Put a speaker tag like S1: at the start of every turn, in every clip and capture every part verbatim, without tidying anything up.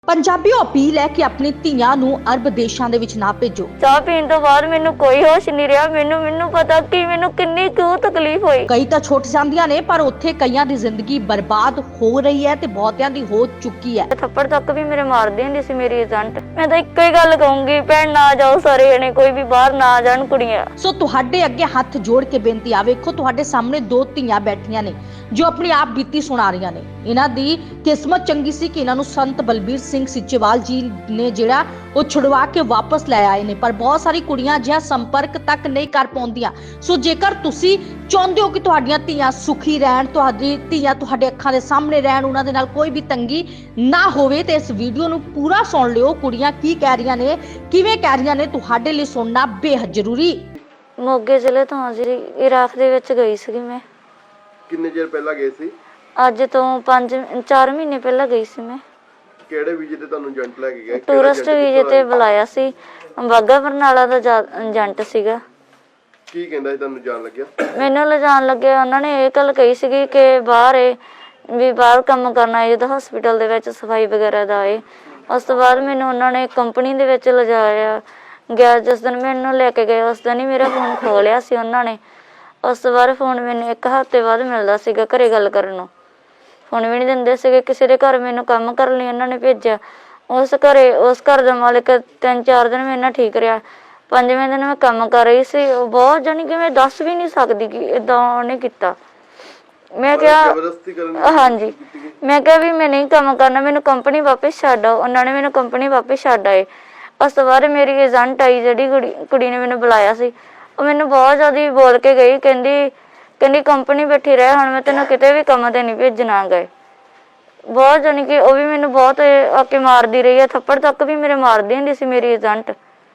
S1: Punjabi appeal है कि अपनी ਧੀਆਂ ਨੂੰ ਅਰਬ ਦੇਸ਼ਾਂ ਦੇ ਵਿੱਚ ਨਾ ਭੇਜੋ।
S2: ਚਾਹ ਪੀਣ ਤੋਂ ਬਾਅਦ ਮੈਨੂੰ ਕੋਈ ਹੋਸ਼ ਨਹੀਂ ਰਿਹਾ। ਮੈਨੂੰ ਮੈਨੂੰ ਪਤਾ ਕਿ ਮੈਨੂੰ ਕਿੰਨੀ ਕੁ ਤਕਲੀਫ ਹੋਈ।
S1: ਕਈ ਤਾਂ ਛੁੱਟ ਜਾਂਦੀਆਂ ਨੇ ਪਰ ਉੱਥੇ ਕਈਆਂ ਦੀ ਜ਼ਿੰਦਗੀ ਬਰਬਾਦ ਹੋ ਰਹੀ ਹੈ ਤੇ ਬਹੁਤਿਆਂ ਦੀ ਹੋ ਚੁੱਕੀ ਹੈ।
S2: ਥੱਪੜ ਤੱਕ ਵੀ ਮੇਰੇ ਮਾਰਦੇ ਹੁੰਦੇ ਸੀ ਮੇਰੀ ਏਜੰਟ। ਮੈਂ ਤਾਂ ਇੱਕੋ ਹੀ ਗੱਲ ਕਹੂੰਗੀ, ਭੈਣ ਨਾ ਜਾਓ ਸਾਰੇ ਜਣੇ, ਕੋਈ ਵੀ ਬਾਹਰ ਨਾ ਜਾਣ ਕੁੜੀਆਂ।
S1: ਸੋ ਤੁਹਾਡੇ ਅੱਗੇ ਹੱਥ ਜੋੜ ਕੇ ਬੇਨਤੀ ਆ, ਵੇਖੋ ਤੁਹਾਡੇ ਸਾਹਮਣੇ ਦੋ ਧੀਆਂ ਬੈਠੀਆਂ ਨੇ ਜੋ ਆਪਣੀ ਆਪ ਬੀਤੀ ਸੁਣਾ ਰਹੀਆਂ ਨੇ। ਇਹਨਾਂ ਦੀ ਕਿਸਮਤ ਚੰਗੀ ਸੀ ਕਿ ਇਹਨਾਂ ਨੂੰ ਸੰਤ ਬਲਬੀਰ ਸਿੰਘ ਸਿੱਚੇਵਾਲ ਜੀ ਨੇ ਜਿਹੜਾ ਉਹ ਛੁਡਵਾ ਕੇ ਵਾਪਸ ਲੈ ਆਏ ਨੇ, ਪਰ ਬਹੁਤ ਸਾਰੀ ਕੁੜੀਆਂ ਜਿਹਾ ਸੰਪਰਕ ਤੱਕ ਨਹੀਂ ਕਰ ਪਾਉਂਦੀਆਂ। ਸੋ ਜੇਕਰ ਤੁਸੀਂ ਚਾਹੁੰਦੇ ਹੋ ਕਿ ਤੁਹਾਡੀਆਂ ਧੀਆਂ ਸੁਖੀ ਰਹਿਣ, ਤੁਹਾਡੀ ਧੀਆਂ ਤੁਹਾਡੇ ਅੱਖਾਂ ਦੇ ਸਾਹਮਣੇ ਰਹਿਣ, ਉਹਨਾਂ ਦੇ ਨਾਲ ਕੋਈ ਵੀ ਤੰਗੀ ਨਾ ਹੋਵੇ, ਤੇ ਇਸ ਵੀਡੀਓ ਨੂੰ ਪੂਰਾ ਸੁਣ ਲਿਓ। ਕੁੜੀਆਂ ਕੀ ਕਹਿ ਰਹੀਆਂ ਨੇ, ਕਿਵੇਂ ਕਹਿ ਰਹੀਆਂ ਨੇ, ਤੁਹਾਡੇ ਲਈ ਸੁਣਨਾ ਬੇਹੱਦ ਜ਼ਰੂਰੀ।
S2: ਮੋਗੇ ਜ਼ਿਲ੍ਹੇ ਤੋਂ ਜੀ ਇਰਾਕ ਦੇ ਵਿੱਚ ਗਈ ਸੀ ਮੈਂ।
S3: ਕਿੰਨੇ ਚਿਰ ਪਹਿਲਾਂ ਗਏ ਸੀ?
S2: ਅੱਜ ਤੋਂ ਪੰਜ ਚਾਰ ਮਹੀਨੇ ਪਹਿਲਾਂ ਗਈ ਸੀ ਮੈਂ।
S3: ਕਿਹੜੇ ਵੀਜ਼ੇ ਤੇ ਤੁਹਾਨੂੰ ਏਜੰਟ ਲੈ ਕੇ ਗਿਆ?
S2: ਟੂਰਿਸਟ ਵੀਜ਼ੇ ਤੇ ਬੁਲਾਇਆ ਸੀ। ਬਾਗਾ ਬਰਨਾਲਾ ਦਾ ਏਜੰਟ ਸੀਗਾ।
S3: ਕੀ ਕਹਿੰਦਾ ਸੀ ਤੁਹਾਨੂੰ ਜਾਣ ਲੱਗਿਆ?
S2: ਮੈਨੂੰ ਲਿਜਾਣ ਲੱਗੇ ਉਹਨਾਂ ਨੇ ਇਹ ਗੱਲ ਕਹੀ ਸੀਗੀ ਕਿ ਬਾਹਰ ਏ ਵੀ ਬਾਹਰ ਕੰਮ ਕਰਨਾ ਏ, ਜਦੋਂ ਹਸਪੀਟਲ ਦੇ ਵਿੱਚ ਸਫਾਈ ਵਗੈਰਾ ਦਾ ਏ। ਉਸ ਤੋਂ ਬਾਅਦ ਮੈਨੂੰ ਉਹਨਾਂ ਨੇ ਕੰਪਨੀ ਦੇ ਵਿੱਚ ਲਿਜਾਇਆ ਗਿਆ। ਜਿਸ ਦਿਨ ਮੈਨੂੰ ਲੈ ਕੇ ਗਏ ਉਸ ਦਿਨ ਹੀ ਮੇਰਾ ਫੋਨ ਖੋਹ ਲਿਆ ਸੀ ਉਹਨਾਂ ਨੇ। ਉਸ ਤੋਂ ਬਾਅਦ ਫੋਨ ਮੈਨੂੰ ਇੱਕ ਹਫ਼ਤੇ ਬਾਅਦ ਮਿਲਦਾ ਸੀਗਾ ਘਰੇ ਗੱਲ ਕਰਨ ਨੂੰ। ਫੋਨ ਵੀ ਨਹੀਂ ਦਿੰਦੇ ਸੀਗੇ। ਕਿਸੇ ਦੇ ਘਰ ਮੈਨੂੰ ਕੰਮ ਕਰਨ ਲਈ ਉਹਨਾਂ ਨੇ ਭੇਜਿਆ। ਉਸ ਘਰੇ ਉਸ ਘਰ ਦਾ ਮਾਲਕ ਤਿੰਨ ਚਾਰ ਦਿਨ ਮੇਰੇ ਨਾਲ ਠੀਕ ਰਿਹਾ। ਪੰਜਵੇਂ ਦਿਨ ਮੈਂ ਕੰਮ ਕਰ ਰਹੀ ਸੀ। ਉਹ ਬਹੁਤ ਜਾਣੀ ਕਿ ਮੈਂ ਦੱਸ ਵੀ ਨਹੀਂ ਸਕਦੀ ਕਿ ਏਦਾਂ ਉਹਨੇ ਕੀਤਾ। ਮੈਂ ਕਿਹਾ ਹਾਂਜੀ, ਮੈਂ ਕਿਹਾ ਵੀ ਮੈਂ ਨਹੀਂ ਕੰਮ ਕਰਨਾ, ਮੈਨੂੰ ਕੰਪਨੀ ਵਾਪਿਸ ਛੱਡ ਆਓ। ਉਹਨਾਂ ਨੇ ਮੈਨੂੰ ਕੰਪਨੀ ਵਾਪਿਸ ਛੱਡ ਆਏ। ਉਸ ਤੋਂ ਬਾਅਦ ਮੇਰੀ ਏਜੰਟ ਆਈ, ਜਿਹੜੀ ਕੁੜੀ ਕੁੜੀ ਨੇ ਮੈਨੂੰ ਬੁਲਾਇਆ ਸੀ, ਉਹ ਮੈਨੂੰ ਬਹੁਤ ਜ਼ਿਆਦਾ ਬੋਲ ਕੇ ਗਈ। ਕਹਿੰਦੀ ਕਹਿੰਦੀ ਕੰਪਨੀ ਬੈਠੀ ਰਹਿ, ਹੁਣ ਮੈਂ ਤੈਨੂੰ ਕਿਤੇ ਵੀ ਕੰਮ ਤੇ ਨਹੀਂ ਭੇਜਣਾ ਗਏ। ਬਹੁਤ ਜਾਣੀ ਕਿ ਉਹ ਵੀ ਮੈਨੂੰ ਬਹੁਤ ਆ ਕੇ ਮਾਰਦੀ ਰਹੀ ਹੈ। ਥੱਪੜ ਤੱਕ ਵੀ ਮੇਰੇ ਮਾਰਦੀ ਹੁੰਦੀ ਸੀ ਮੇਰੀ ਏਜੰਟ।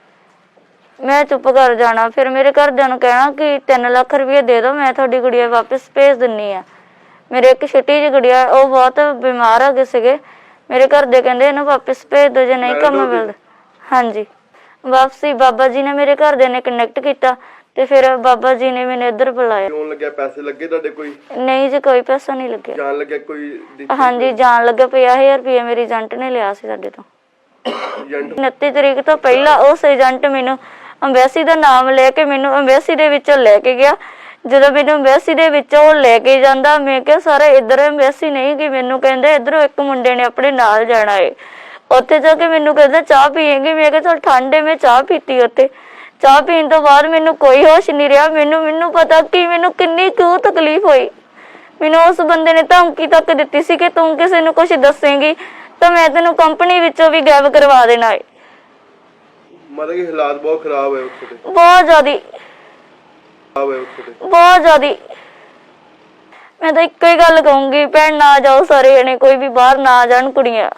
S2: ਮੈਂ ਚੁੱਪ ਕਰ ਜਾਣਾ। ਫਿਰ ਮੇਰੇ ਘਰਦਿਆਂ ਨੂੰ ਕਹਿਣਾ ਕਿ ਤਿੰਨ ਲੱਖ ਰੁਪਏ ਦੇ ਦਿਓ, ਮੈਂ ਤੁਹਾਡੀ ਗੁੜੀਆ ਵਾਪਿਸ ਭੇਜ ਦਿੰਨੀ ਆ। ਮੇਰੇ ਇੱਕ ਛੋਟੀ ਜਿਹੀ ਗੁੜੀਆ, ਉਹ ਬਹੁਤ ਬਿਮਾਰ ਹੋ ਗਏ ਸੀਗੇ। ਮੇਰੇ ਘਰ ਦੇ ਕਹਿੰਦੇ ਇਹਨੂੰ ਵਾਪਿਸ ਭੇਜ ਦਿਓ ਜੇ ਨਹੀਂ ਕੰਮ ਮਿਲਦਾ। ਹਾਂਜੀ, ਵਾਪਸੀ ਬਾਬਾ ਜੀ ਨੇ ਮੇਰੇ ਘਰਦਿਆਂ ਨੇ ਕਨੈਕਟ ਕੀਤਾ ਤੇ ਫਿਰ ਬਾਬਾ ਜੀ ਨੇ ਮੈਨੂੰ ਇੱਧਰ ਬੁਲਾਇਆ।
S3: ਕਿਉਂ ਲੱਗਿਆ? ਪੈਸੇ ਲੱਗੇ ਤੁਹਾਡੇ ਕੋਈ?
S2: ਨਹੀਂ ਜੀ, ਕੋਈ ਪੈਸਾ ਨਹੀਂ ਲੱਗਿਆ।
S3: ਜਾਣ ਲੱਗਿਆ ਕੋਈ?
S2: ਹਾਂਜੀ, ਜਾਣ ਲੱਗਾ ਪੰਜਾਹ ਹਜ਼ਾਰ ਰੁਪਏ ਮੇਰੀ ਏਜੰਟ ਨੇ ਲਿਆ ਸੀ ਸਾਡੇ ਤੋਂ। ਉਨੱਤੀ ਤਰੀਕ ਤੋਂ ਪਹਿਲਾਂ ਉਸ ਏਜੰਟ ਮੈਨੂੰ ਅੰਬੈਸੀ ਦਾ ਨਾਮ ਲੈ ਕੇ ਮੈਨੂੰ ਅੰਬੈਸੀ ਦੇ ਵਿੱਚੋਂ ਲੈ ਕੇ ਗਿਆ। ਜਦੋਂ ਮੈਨੂੰ ਅੰਬੈਸੀ ਦੇ ਵਿੱਚੋਂ ਉਹ ਲੈ ਕੇ ਜਾਂਦਾ, ਮੈਂ ਕਿਹਾ ਸਾਰਾ ਇੱਧਰ ਅੰਬੈਸੀ ਨਹੀਂ ਕਿ ਮੈਨੂੰ ਕਹਿੰਦੇ ਇੱਧਰੋਂ ਇੱਕ ਮੁੰਡੇ ਨੇ ਆਪਣੇ ਨਾਲ ਜਾਣਾ ਏ। ਉੱਥੇ ਜਾ ਕੇ ਮੈਨੂੰ ਕਹਿੰਦਾ ਚਾਹ ਪੀਏਂਗੇ। ਮੈਂ ਕਿਹਾ ਚੱਲ ਠੰਡ ਏ। ਮੈਂ ਚਾਹ ਪੀਤੀ ਉੱਥੇ। ਚਾਹ ਪੀਣ ਤੋਂ ਬਾਅਦ ਮੈਨੂੰ ਕੋਈ ਹੋਸ਼ ਨਹੀਂ ਰਿਹਾ। ਮੈਨੂੰ ਮੈਨੂੰ ਪਤਾ ਕਿ ਮੈਨੂੰ ਕਿੰਨੀ ਕੁ ਤਕਲੀਫ ਹੋਈ। ਮੈਨੂੰ ਉਸ ਬੰਦੇ ਨੇ ਧਮਕੀ ਤੱਕ ਦਿੱਤੀ ਸੀ ਕਿ ਤੂੰ ਕਿਸੇ ਨੂੰ ਕੁਛ ਦੱਸੇਂਗੀ ਤਾਂ ਮੈਂ ਤੈਨੂੰ ਕੰਪਨੀ ਵਿੱਚੋਂ ਵੀ ਗਾਇਬ ਕਰਵਾ ਦੇਣਾ ਏ।
S3: ਮਤਲਬ ਕਿ ਹਾਲਾਤ ਬਹੁਤ ਖਰਾਬ ਹੈ ਉੱਥੇ ਦੇ।
S2: ਬਹੁਤ ਜ਼ਿਆਦੀ
S3: ਖਰਾਬ ਹੈ ਉੱਥੇ ਦੇ,
S2: ਬਹੁਤ ਜ਼ਿਆਦੀ। ਮੈਂ ਤਾਂ ਇੱਕੋ ਹੀ ਗੱਲ ਕਹੂੰਗੀ, ਭੈਣ ਨਾ ਜਾਓ ਸਾਰੇ ਜਣੇ, ਕੋਈ ਵੀ ਬਾਹਰ ਨਾ ਜਾਣ ਕੁੜੀਆਂ।